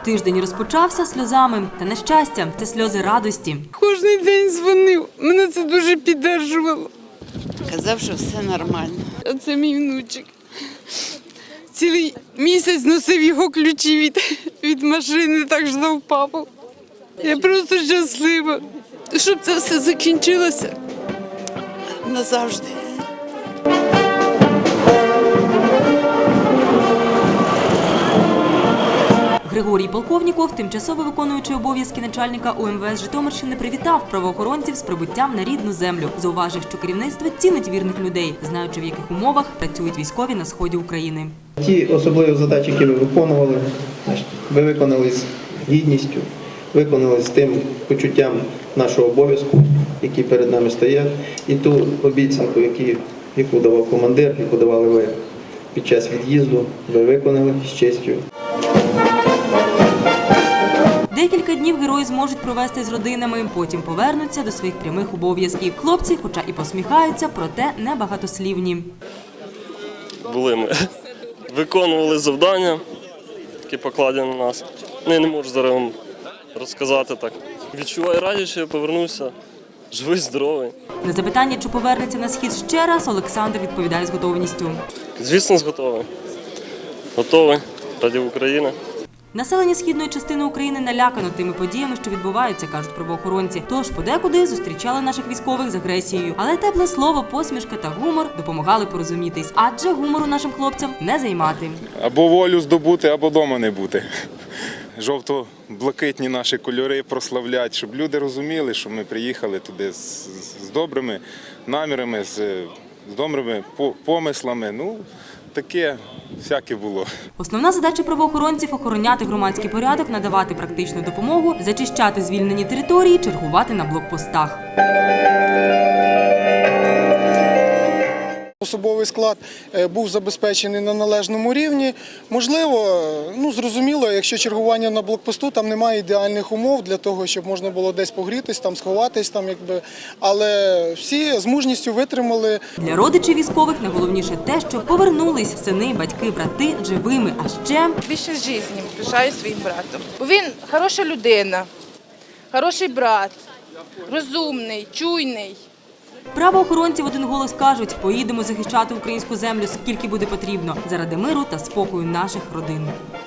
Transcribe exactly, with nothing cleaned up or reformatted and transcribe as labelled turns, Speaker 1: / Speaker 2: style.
Speaker 1: Тиждень розпочався сльозами. Та на щастя, це сльози радості.
Speaker 2: Кожний день дзвонив. Мене це дуже підтримувало.
Speaker 3: Казав, що все нормально.
Speaker 2: А це мій внучик. Цілий місяць носив його ключі від, від машини, так ждав папу. Я просто щаслива, щоб це все закінчилося назавжди.
Speaker 1: Григорій Полковніков, тимчасово виконуючий обов'язки начальника У Ем Ве Ес Житомирщини, привітав правоохоронців з прибуттям на рідну землю. Зауважив, що керівництво цінить вірних людей, знаючи, в яких умовах працюють військові на сході України.
Speaker 4: Ті особливі задачі, які ви виконували, ви виконали з гідністю, виконали з тим почуттям нашого обов'язку, які перед нами стоять, і ту обіцянку, яку давав командир, яку давали ви під час від'їзду, ви виконали з честю.
Speaker 1: Декілька днів герої зможуть провести з родинами, потім повернуться до своїх прямих обов'язків. Хлопці, хоча і посміхаються, проте не багатослівні.
Speaker 5: Були ми, виконували завдання, які покладені на нас. Я не можу зараз вам розказати так. Відчуваю радість, що я повернувся живий, здоровий.
Speaker 1: На запитання, чи повернеться на схід ще раз, Олександр відповідає з готовністю.
Speaker 5: Звісно, готовий. Готовий ради України.
Speaker 1: Населення східної частини України налякано тими подіями, що відбуваються, кажуть правоохоронці. Тож подекуди зустрічали наших військових з агресією. Але тепле слово, посмішка та гумор допомагали порозумітись. Адже гумору нашим хлопцям не займати.
Speaker 6: Або волю здобути, або дома не бути. Жовто-блакитні наші кольори прославлять, щоб люди розуміли, що ми приїхали туди з, з добрими намірами, з, з добрими помислами. Ну, таке всяке було.
Speaker 1: Основна задача правоохоронців – охороняти громадський порядок, надавати практичну допомогу, зачищати звільнені території, чергувати на блокпостах.
Speaker 7: Особовий склад був забезпечений на належному рівні. Можливо, ну зрозуміло, якщо чергування на блокпосту, там немає ідеальних умов для того, щоб можна було десь погрітись, там сховатись, там якби. Але всі з мужністю витримали.
Speaker 1: Для родичів військових найголовніше те, що повернулись сини, батьки, брати живими, а ще
Speaker 8: більше життя пишаю своїм братом. Бо він хороша людина, хороший брат, розумний, чуйний.
Speaker 1: правоохоронці в один голос кажуть, поїдемо захищати українську землю, скільки буде потрібно, заради миру та спокою наших родин.